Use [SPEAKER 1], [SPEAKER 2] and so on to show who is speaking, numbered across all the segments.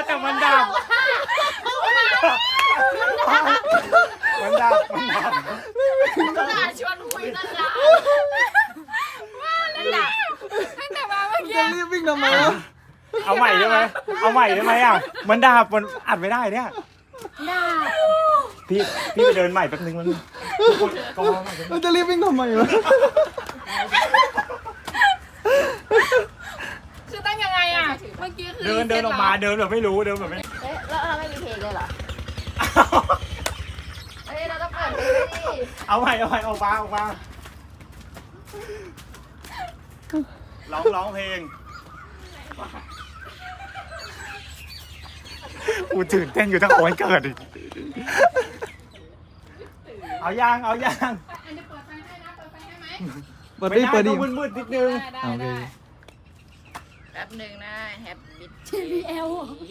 [SPEAKER 1] แต่มันดับมันดับ
[SPEAKER 2] น่าชวนคุยนั่นแหละนั่นแหละตั้งแต่มาเมื่อกี้
[SPEAKER 3] จะรีบวิ่งทำไมวะ
[SPEAKER 1] เอาใหม่ได้ไหมเอาใหม่ได้ไหมอ่ะมันดับมันอัดไม่ได้เนี่ยพี่ไปเดินใหม่แป๊บนึงมันกองใหม่
[SPEAKER 3] มันจะรีบวิ่งทำไมวะ
[SPEAKER 2] คือตั้งยังไงอ่ะเมื่อกี้คือ
[SPEAKER 1] เดินออกมาเดินแบบไม่รู้เดินแบบไม่
[SPEAKER 2] เอ๊ะแล้วเราไม่มีเพลงเลยเหรอเอ้ยเราต้องเปิดเพลงดิ
[SPEAKER 1] เอาใหม่ออกมาร้องเพลงกูตื่นเต้นอยู่ทั้งโอนเกิดอีกเอายาง
[SPEAKER 2] อันจะเปิดไฟให้นะเปิดไฟให้ไหม
[SPEAKER 3] เปิดดิเปิดดิ
[SPEAKER 1] ต้องมืดๆนิดนึง
[SPEAKER 2] ได้
[SPEAKER 3] โอเค
[SPEAKER 2] แป๊บหนึ่งนะแฮปปี้
[SPEAKER 1] JBL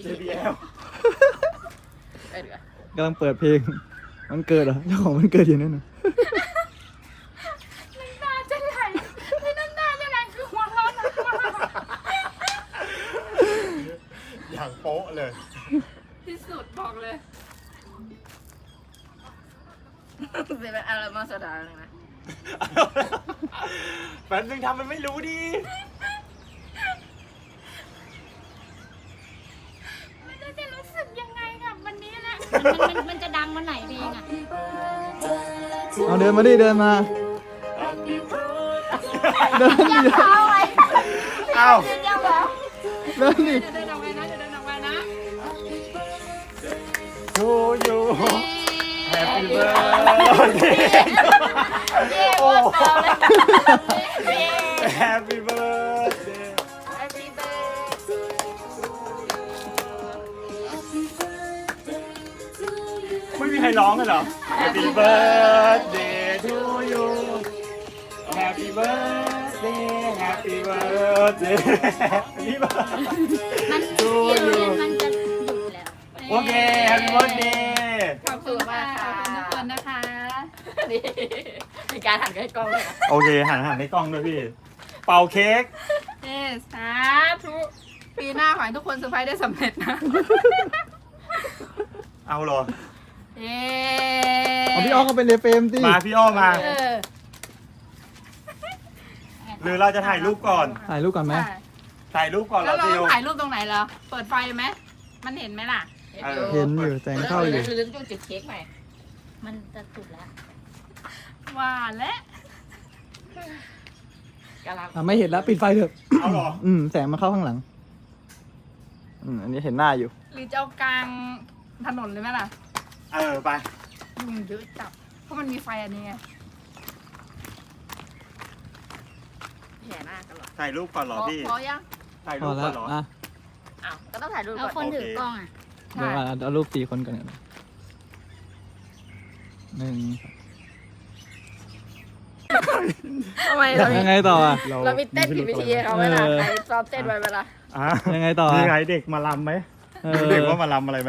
[SPEAKER 2] เออเดี๋ยว
[SPEAKER 3] กำลังเปิดเพลงมันเกิดเหรอเจ้าของมันเกิดอยู่นั่นน่ะ
[SPEAKER 2] น้ำตาจะไหลไม่น้ำตาจะไหลคือหัวร้อนนะ
[SPEAKER 1] อย่างโป๊ะเลย
[SPEAKER 2] ที่สุดบอกเลยเป็นอะไรมาสดาเลยนะ
[SPEAKER 1] แฟนนึงทำมันไม่รู้ดิ
[SPEAKER 2] ไม่รู้จะรู้สึกยังไงกับวันนี้แหละมันจะดังวันไหนดีอ่ะ
[SPEAKER 3] เอาเดินมาดิเดินมาเดินดิ
[SPEAKER 2] เอาไว้
[SPEAKER 1] เอ้า
[SPEAKER 2] เดี๋ยวเหรอ
[SPEAKER 3] เดินดิ
[SPEAKER 2] จะเดินออกไปนะจะเดินออกไปนะ
[SPEAKER 1] to you Happy birthday
[SPEAKER 2] เย้ว่าเปล่าเลย
[SPEAKER 1] Happy birthday
[SPEAKER 2] Happy birthday
[SPEAKER 1] ไม่มีใครร้องกันเหรอ Happy birthday to you Happy birthday Happy birthday Happy birthday
[SPEAKER 4] มัน
[SPEAKER 1] to
[SPEAKER 4] เดี๋ยว
[SPEAKER 1] you
[SPEAKER 4] มันจะหยุดแล้ว
[SPEAKER 1] โอเค Happy birthday
[SPEAKER 2] ขอบคุณมากค่ะขอบคุณทุกคนนะคะ นี่มีการหันใกล้กล้องเลยนะ
[SPEAKER 1] โอเคหันให้กล้องด้วยพี่ เป่าเค้ก
[SPEAKER 2] เย้สาธุปีหน้าขอให้ทุกคนเซอร์ไพรส์ได้สำเร็จนะ
[SPEAKER 1] เอาเหรอ
[SPEAKER 2] เย้
[SPEAKER 3] เอาพี่อ้อก็เป็นเรเฟรมดิ
[SPEAKER 1] มาพี่อ้อมา
[SPEAKER 2] เออ
[SPEAKER 1] หรือเราจะถ่ายรูปก่อน
[SPEAKER 3] ถ่ายรูปก่อนไหม
[SPEAKER 1] ถ่ายรูปก่อนเหร
[SPEAKER 2] แล้
[SPEAKER 1] อ
[SPEAKER 2] วเรา
[SPEAKER 1] ซิว
[SPEAKER 2] ถ่ายรูปตรงไหนเหรอ เปิดไฟไหม มันเห็นไหมล่ะ
[SPEAKER 1] เออ
[SPEAKER 3] เห็นอยู่แสงเข้าอยู่
[SPEAKER 2] ลืมจุดเค้กใหม่
[SPEAKER 4] มันจะจุดแล้ว
[SPEAKER 2] ว่าและกำลัง
[SPEAKER 3] อ่ะไม่เห็นแล้วปิดไฟเถอะ
[SPEAKER 1] เอาเหรอ
[SPEAKER 3] แสงมาเข้าข้างหลังอันนี้เห็นหน้าอยู่
[SPEAKER 2] หรือจะเอากลางถนนเลยไหมล่ะ
[SPEAKER 1] เออไป
[SPEAKER 2] ยุงเยอะจับ เพราะมันมีไฟอันนี้ไงแห่หน้ากันหรอ
[SPEAKER 1] ถ่ายรูปก่อนเหรอพี่
[SPEAKER 2] พอยัง
[SPEAKER 1] ถ่าย
[SPEAKER 3] พ
[SPEAKER 1] รู
[SPEAKER 3] อ
[SPEAKER 1] ป
[SPEAKER 3] แล้
[SPEAKER 1] ก่อ
[SPEAKER 3] วน
[SPEAKER 1] เหรอ
[SPEAKER 3] อ่ะ
[SPEAKER 2] อ้าวก็ต้องถ่ายรูป
[SPEAKER 4] แล้ว
[SPEAKER 2] ก่
[SPEAKER 4] ค
[SPEAKER 2] อน
[SPEAKER 4] นถือกล้องอ่ะ
[SPEAKER 3] เดี๋ยวเอารูป4คนก่อนนะหนึ่ง
[SPEAKER 2] ทำไมเรามี
[SPEAKER 3] ยังไงต่ออ่ะ
[SPEAKER 2] เรามีเต้นผิดวิธีให้เขาไหมล่ะใครซ้อมเต้นไว้เวลา
[SPEAKER 1] อ่ะ
[SPEAKER 3] ยังไงต่อ
[SPEAKER 1] มี
[SPEAKER 3] อ่ะ
[SPEAKER 1] ไงเด็กมาลำไหม
[SPEAKER 3] เออ
[SPEAKER 1] เด็กว่ามาลำอะไรไหม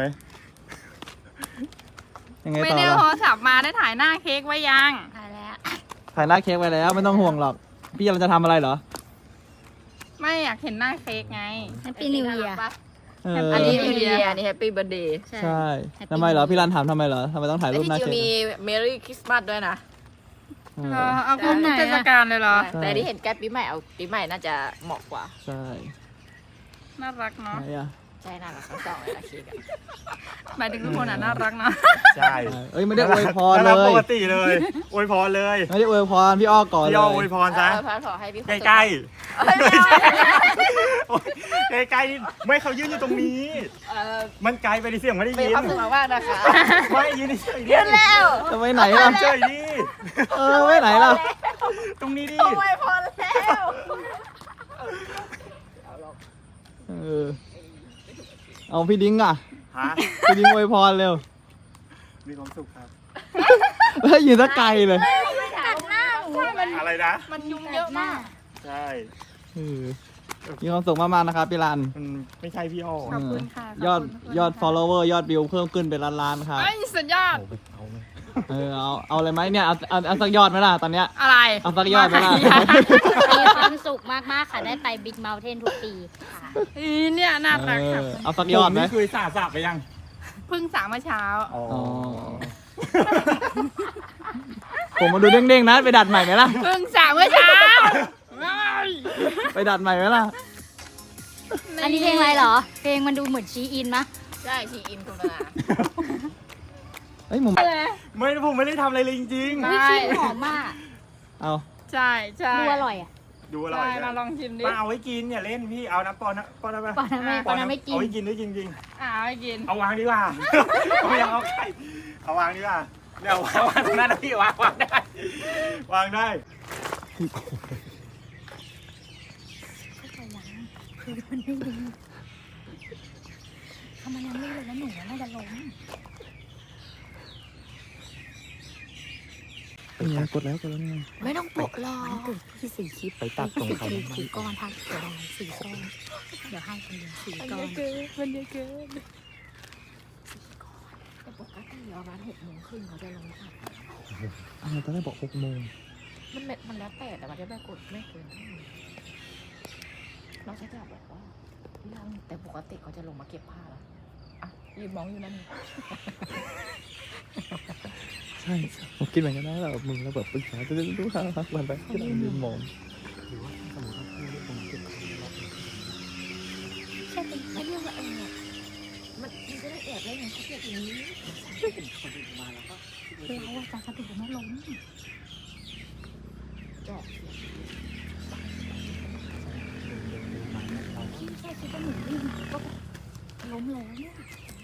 [SPEAKER 3] ยังไง
[SPEAKER 2] ไม่
[SPEAKER 3] ต่อ
[SPEAKER 2] ได้
[SPEAKER 3] ล่ะ
[SPEAKER 2] โทรศัพท์มาได้ถ่ายหน้าเค้กไว้ยัง
[SPEAKER 4] ถ่ายแล้ว
[SPEAKER 3] ถ่ายหน้าเค้กไว้แล้วไม่ต้องห่วงหรอก พี่เราจะทำอะไรเหรอ
[SPEAKER 2] ไม่อยากเห็นหน้าเค้กไง
[SPEAKER 4] Happy New Year
[SPEAKER 3] เออ
[SPEAKER 2] อันนี้นิวเยียร์นี่แฮปปี้เบิร์ดเดย์
[SPEAKER 3] ใช่
[SPEAKER 4] Happy
[SPEAKER 3] ทำไมเหรอ พี่รันถามทำไมเหรอทำไมต้องถ่าย
[SPEAKER 2] และ
[SPEAKER 3] รูป
[SPEAKER 2] ที่
[SPEAKER 3] หน้า
[SPEAKER 2] จริง
[SPEAKER 3] เค้ก
[SPEAKER 2] มีเมรี่คริสต์มาสด้วยนะ
[SPEAKER 3] เออ
[SPEAKER 2] เอาคุณทุกเทศกาลเลยเหรอ
[SPEAKER 3] ใช่
[SPEAKER 2] แต่ที่เห็นใกล้ปีใหม่เอาปีใหม่น่าจะเหมาะกว่า
[SPEAKER 3] ใช่
[SPEAKER 2] น่ารักเนาะ
[SPEAKER 3] ไหนอ่ะ
[SPEAKER 2] ใช่น่ารักทั้งสองเลยนะเค้กอะหมายถึงทุกคนอ่ะน่ารักเนาะ
[SPEAKER 1] ใช่
[SPEAKER 3] เอ้ยไม่ได้อวยพร
[SPEAKER 1] น่า
[SPEAKER 3] เล
[SPEAKER 1] รักป
[SPEAKER 3] ย
[SPEAKER 1] กติเลยอวยพรเลย
[SPEAKER 3] ไม่ได้อวยพรพี่อ้อก่อนเล
[SPEAKER 1] พี่อ้อย อวยพรซะ
[SPEAKER 2] พระขอให้พี่
[SPEAKER 1] ใกล้
[SPEAKER 2] เอ้ยไม่เอา
[SPEAKER 1] ๆโอ๊ยใกล้ๆไม่เขายืนอยู่ตรงนี้ มันไกลไปดิเสียงไม่ได้
[SPEAKER 2] มี
[SPEAKER 1] ยิน
[SPEAKER 2] ความสุขมากๆนะคะ
[SPEAKER 1] ไม่ยืนเฉยๆดิ
[SPEAKER 2] ยืนแล้ว
[SPEAKER 3] จะไปไหนล่ะ
[SPEAKER 1] เฉยๆดิ
[SPEAKER 3] ไม่ไหนล่ะ
[SPEAKER 1] ตรงนี้ดิ
[SPEAKER 2] โอ้ยพอแล้ว
[SPEAKER 3] เออเอาพี่ดิ้งอ่ะ
[SPEAKER 1] ฮะ
[SPEAKER 3] พี่ดิ้งอวยพรเร็ว
[SPEAKER 1] มีความสุขครับ
[SPEAKER 3] เฮ้ยยืนสักไกลเลย
[SPEAKER 4] กัดหน้าหนู
[SPEAKER 1] อะไรนะ
[SPEAKER 2] มันยุงเยอะมาก
[SPEAKER 1] ใช่
[SPEAKER 3] เออมีความสุขมากๆนะครับพี่รัน
[SPEAKER 1] มันไม่ใช่พี่อ้อ
[SPEAKER 2] ขอบคุณค่ะ
[SPEAKER 3] ยอด
[SPEAKER 2] ขอบคุณทุกคน
[SPEAKER 3] ยอด follower ยอดวิวเพิ่มขึ้นเป็นล้านๆครับ
[SPEAKER 2] ไอ้ยสุดยอด
[SPEAKER 1] เอาไป
[SPEAKER 3] เอาอะไรไหมเนี่ยเอาสักยอดไหมล่ะตอนเนี้ย
[SPEAKER 2] อะไร
[SPEAKER 3] เอาสักยอดไหมล่ะ
[SPEAKER 4] มีความสุขมากๆค่ะได้ไปบิ๊กเมลเทนทุกปีค่ะ
[SPEAKER 2] อีเนี่ยน่ารักค่ะ
[SPEAKER 3] เอาสักยอดไหม
[SPEAKER 1] นี่คือสาบไปยัง
[SPEAKER 2] เพิ่งสามเมื่อเช้า
[SPEAKER 1] อ๋อ
[SPEAKER 3] อ๋อผมมาดูเด้งๆนะไปดัดใหม่ไหมล่ะ
[SPEAKER 2] เพิ่งสามเมื่อเช้า
[SPEAKER 3] ไปดัดใหม่ไหมล่ะ
[SPEAKER 4] อันนี้เพลงอะไรเหรอ เพลงมันดูเหมือนชีอินมะ
[SPEAKER 2] ใช่ชีอินคุณมา
[SPEAKER 3] เฮ้ยมุม
[SPEAKER 1] ไม่ผมไม่ได้ทำอะไรเลยจริง
[SPEAKER 2] ใช่
[SPEAKER 4] วิชีหอมมาก
[SPEAKER 3] เอา
[SPEAKER 2] ใช่ใช่
[SPEAKER 4] ดูอร่อยอ่ะ
[SPEAKER 1] ๆดูอร่อ
[SPEAKER 2] ใช่
[SPEAKER 1] ย
[SPEAKER 2] มาลองชิมดิ
[SPEAKER 1] มาเอาไว้กินอย่าเล่นพี่เอาน้ำปอนนะปอนนะ
[SPEAKER 4] ปอนนั้นไม่กิน
[SPEAKER 1] เอาไว้กินด้วยจริง
[SPEAKER 2] เอาไปกิน
[SPEAKER 1] ๆเอาวางดีกว่าเอาไม่เอาไข่เอาวางดีกว่าเนี่ยวางตรงนั้นนะพี่วางได้วางได้
[SPEAKER 4] คือมันไม่ดีถ้ามันยังไม่เลยแล้วหนูน่าจะล้ม
[SPEAKER 3] เป็นไงกดแล้วไง
[SPEAKER 2] ไม่ต้องปลุกหรอก
[SPEAKER 4] มันเกิดที่สี่คลิป
[SPEAKER 3] ไปตัดตรงเขา
[SPEAKER 4] สี่ก้อนทักเดี๋ยวได้สี่ก้อนเดี๋ยวให้คนเดียวสี่ก้อน
[SPEAKER 2] มันเยอะเกิน
[SPEAKER 5] แต่ปกติเราร้าน6 โมงครึ่งเขาจะลงค่ะ
[SPEAKER 3] ตอนแรกบอก6 โมง
[SPEAKER 5] มันแล้วแต่มันจะไม่กดไม่เกินเท่านี้น้องชายจะบอกว่าพี่ลังแต่ปกติเขาจะลงมาเก็บผ้าแล้วอ่ะยืนมองอยู่นั่นนี่
[SPEAKER 3] ใช่ผมคิดเหมือนกันนะแบบมึงแล้วแบบปรึกษาจะดูข่าววันไปที่เรายืนมอง
[SPEAKER 5] ไม่เรียกว่ามันจะได้แอบได้ไงเขาเก็บอย่างนี้
[SPEAKER 4] เราอะจะสะดุดไม่ล้ม
[SPEAKER 5] จอกเสียง
[SPEAKER 4] พี่แค่คิดว่าหนูวิ่งก็ล้มแล้วเนี่ย